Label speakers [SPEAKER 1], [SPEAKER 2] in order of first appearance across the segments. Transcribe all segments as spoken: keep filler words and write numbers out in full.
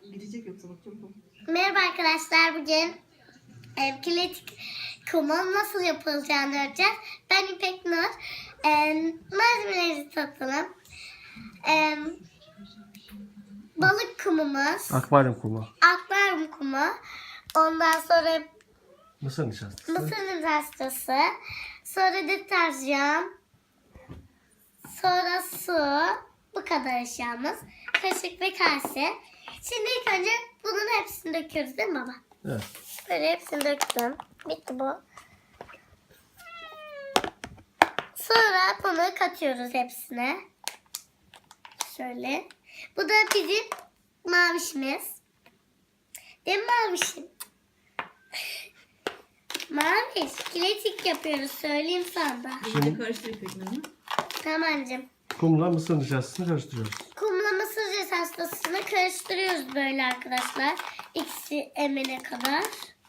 [SPEAKER 1] Gidecek yoksa bak çabuk ol.
[SPEAKER 2] Merhaba arkadaşlar, bugün e, kinetik kumun nasıl yapılacağını öğreteceğiz. Ben İpek Nur. E, malzemeleri satalım. E, balık kumumuz,
[SPEAKER 3] Akvaryum kumu.
[SPEAKER 2] akvaryum kumu, ondan sonra
[SPEAKER 3] Mısır nişastası.
[SPEAKER 2] mısır nişastası, sonra deterjan, sonra su. Bu kadar eşyamız. Kaşık ve kase. Şimdi ilk önce bunun hepsini döküyoruz değil mi baba?
[SPEAKER 3] Evet.
[SPEAKER 2] Böyle hepsini döktüm. Bitti bu. Sonra bunu katıyoruz hepsine. Şöyle. Bu da bizim mavişimiz. Değil mi mavişim? Maviş. Kinetik yapıyoruz. Söyleyeyim sana da.
[SPEAKER 1] Şimdi karıştır İpek Nur'u.
[SPEAKER 2] Tamamcığım.
[SPEAKER 3] Kumla mısır nişastasını karıştırıyoruz.
[SPEAKER 2] Kumla mısır nişastasını karıştırıyoruz böyle arkadaşlar. İkisi emene kadar.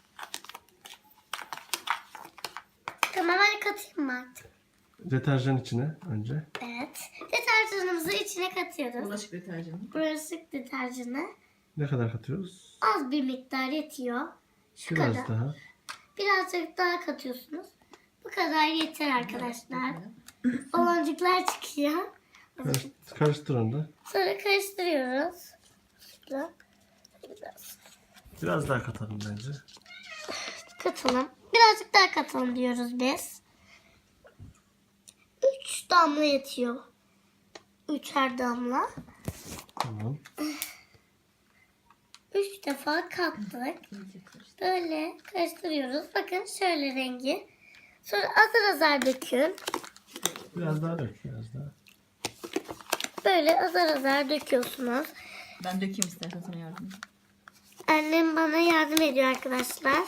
[SPEAKER 2] Tamam, hadi katayım mı artık?
[SPEAKER 3] Deterjan içine önce.
[SPEAKER 2] Evet. Deterjanımızı içine katıyoruz.
[SPEAKER 1] Bulaşık deterjanı.
[SPEAKER 2] Bulaşık deterjanı
[SPEAKER 3] Ne kadar katıyoruz?
[SPEAKER 2] az bir miktar yetiyor. Şu
[SPEAKER 3] Biraz
[SPEAKER 2] kadar.
[SPEAKER 3] daha.
[SPEAKER 2] Birazcık daha katıyorsunuz. Bu kadar yeter arkadaşlar. Baloncuklar çıkıyor.
[SPEAKER 3] Karış, karıştır onu da.
[SPEAKER 2] Sonra karıştırıyoruz. Şöyle. Biraz
[SPEAKER 3] Biraz daha katalım bence.
[SPEAKER 2] katalım. Birazcık daha katalım diyoruz biz. Üç damla yetiyor. Üçer damla.
[SPEAKER 3] Tamam.
[SPEAKER 2] Üç defa kattık. Böyle karıştırıyoruz. Bakın şöyle rengi. Sonra azar azar dökün.
[SPEAKER 3] Biraz daha dök. Biraz daha.
[SPEAKER 2] Böyle azar azar döküyorsunuz.
[SPEAKER 1] Ben dökeyim istersen sana yardım edeyim.
[SPEAKER 2] Annem bana yardım ediyor arkadaşlar.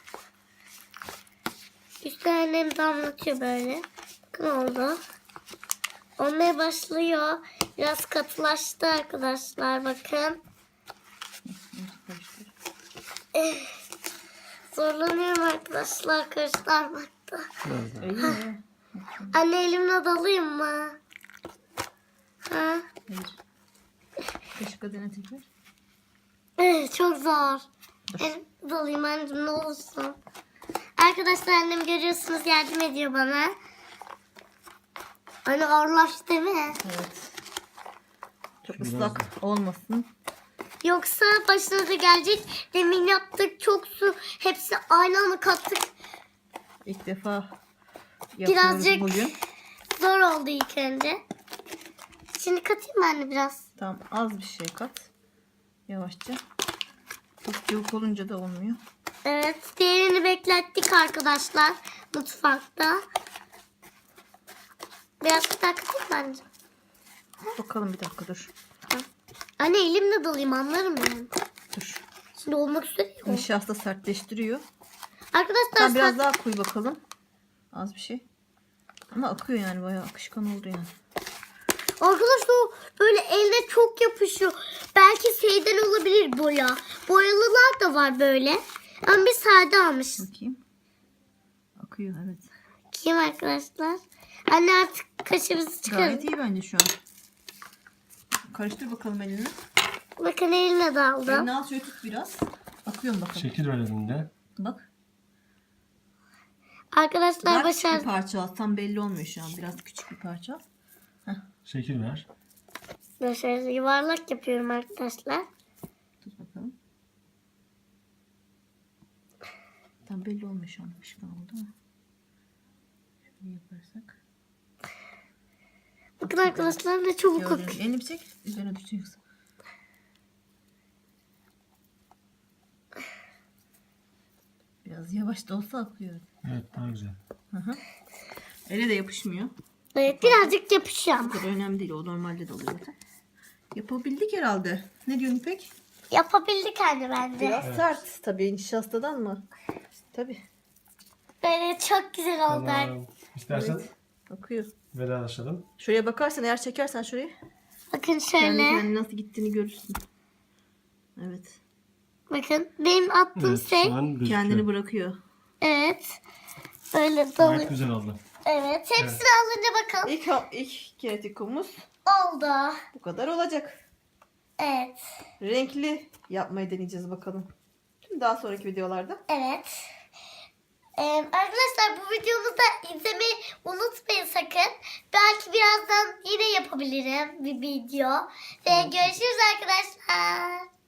[SPEAKER 2] Üstte annem damlatıyor böyle. Bakın oldu. Olmaya başlıyor. Biraz katılaştı arkadaşlar, bakın.
[SPEAKER 1] Karıştır.
[SPEAKER 2] Eh, zorlanıyorum arkadaşlar karıştırmakta.
[SPEAKER 3] Biraz daha.
[SPEAKER 1] İyi mi?
[SPEAKER 2] Anne, elimle dalayım mı? Ha?
[SPEAKER 1] Hayır. Kaşıkla dene tekrar.
[SPEAKER 2] Eh, çok zor. Elim dalayım anneciğim, ne olursun. Arkadaşlar, annem görüyorsunuz yardım ediyor bana. Anne ağırlaştı değil mi?
[SPEAKER 1] Evet. Çok
[SPEAKER 3] Biraz
[SPEAKER 1] ıslak olmasın.
[SPEAKER 2] Yoksa başınıza gelecek. Demin yaptık çok su. Hepsi aynı anda kattık.
[SPEAKER 1] İlk defa yapıyoruz
[SPEAKER 2] Birazcık
[SPEAKER 1] bugün.
[SPEAKER 2] zor oldu ilk önce. Şimdi katayım mı anne biraz?
[SPEAKER 1] Tamam, az bir şey kat. Yavaşça. Çok cıvık olunca da olmuyor.
[SPEAKER 2] Evet. Diğerini beklettik arkadaşlar. Mutfakta. Biraz daha katayım mı anneciğim?
[SPEAKER 1] Bakalım bir dakika dur.
[SPEAKER 2] Anne, elimle dalayım, anlarım ben.
[SPEAKER 1] Dur.
[SPEAKER 2] Şimdi olmak üzere yok.
[SPEAKER 1] Nişasta sertleştiriyor.
[SPEAKER 2] Arkadaşlar
[SPEAKER 1] Sen biraz
[SPEAKER 2] saat-
[SPEAKER 1] daha koy bakalım. Az bir şey. Ama akıyor yani, bayağı akışkan oldu yani.
[SPEAKER 2] Arkadaşlar o böyle elde çok yapışıyor. Belki şeyden olabilir boya. Boyalılar da var böyle. Ama biz sade almışız.
[SPEAKER 1] Bakayım. Akıyor, evet.
[SPEAKER 2] Kim arkadaşlar? Anne, artık kaşığımızı çıkarın.
[SPEAKER 1] Gayet iyi bence şu an. Karıştır bakalım elini.
[SPEAKER 2] Bakın, eline daldım.
[SPEAKER 1] Elini al, şöyle tut biraz. Akıyor mu bakalım.
[SPEAKER 3] Şekil ver elinde.
[SPEAKER 1] Bak.
[SPEAKER 2] Arkadaşlar
[SPEAKER 1] Daha küçük bir
[SPEAKER 2] başardık.
[SPEAKER 1] parça al. Tam belli olmuyor şu an. Biraz küçük bir parça al.
[SPEAKER 3] Şekil ver.
[SPEAKER 2] Şöyle yuvarlak yapıyorum arkadaşlar.
[SPEAKER 1] Tut bakalım. Tam belli olmuyor şu an. Akışkan oldu mu? Şöyle yaparsak.
[SPEAKER 2] Bakın arkadaşlar, ne çabuk
[SPEAKER 1] Gördüğünüz.
[SPEAKER 2] akıyor.
[SPEAKER 1] Elini bir çek. Üzerine düşecek yoksa. Biraz yavaş da olsa akıyor.
[SPEAKER 3] Evet, daha güzel.
[SPEAKER 1] Hı hı. Ele de yapışmıyor.
[SPEAKER 2] Evet, birazcık yapışıyor ama.
[SPEAKER 1] Bu kadar önemli değil. O normalde de oluyor zaten. Yapabildik herhalde. Ne diyorsun İpek?
[SPEAKER 2] Yapabildik anne bence.
[SPEAKER 1] Biraz sert. Tabii nişastadan mı? Tabii.
[SPEAKER 2] Böyle çok güzel oldu.
[SPEAKER 3] Tamam. İstersen
[SPEAKER 1] Evet. Akıyor.
[SPEAKER 3] vedalaşalım.
[SPEAKER 1] Şuraya bakarsan, eğer çekersen şurayı,
[SPEAKER 2] Bakın
[SPEAKER 1] kendi
[SPEAKER 2] şöyle.
[SPEAKER 1] kendine nasıl gittiğini görürsün. Evet.
[SPEAKER 2] Bakın benim attığım
[SPEAKER 3] Evet,
[SPEAKER 2] şey.
[SPEAKER 3] şu an gözüküyor.
[SPEAKER 1] Kendini bırakıyor.
[SPEAKER 2] Evet. Böyle
[SPEAKER 3] Gayet
[SPEAKER 2] dalıyor.
[SPEAKER 3] güzel oldu.
[SPEAKER 2] Evet. Hepsini alınca bakalım.
[SPEAKER 1] İlk, ilk kinetik kumumuz
[SPEAKER 2] Oldu.
[SPEAKER 1] bu kadar olacak.
[SPEAKER 2] Evet.
[SPEAKER 4] Renkli yapmayı deneyeceğiz bakalım. Şimdi daha sonraki videolarda.
[SPEAKER 2] Evet. Ee, arkadaşlar bu videomu da izlemeyi unutmayın sakın. Belki birazdan yine yapabilirim bir video. Ve görüşürüz arkadaşlar.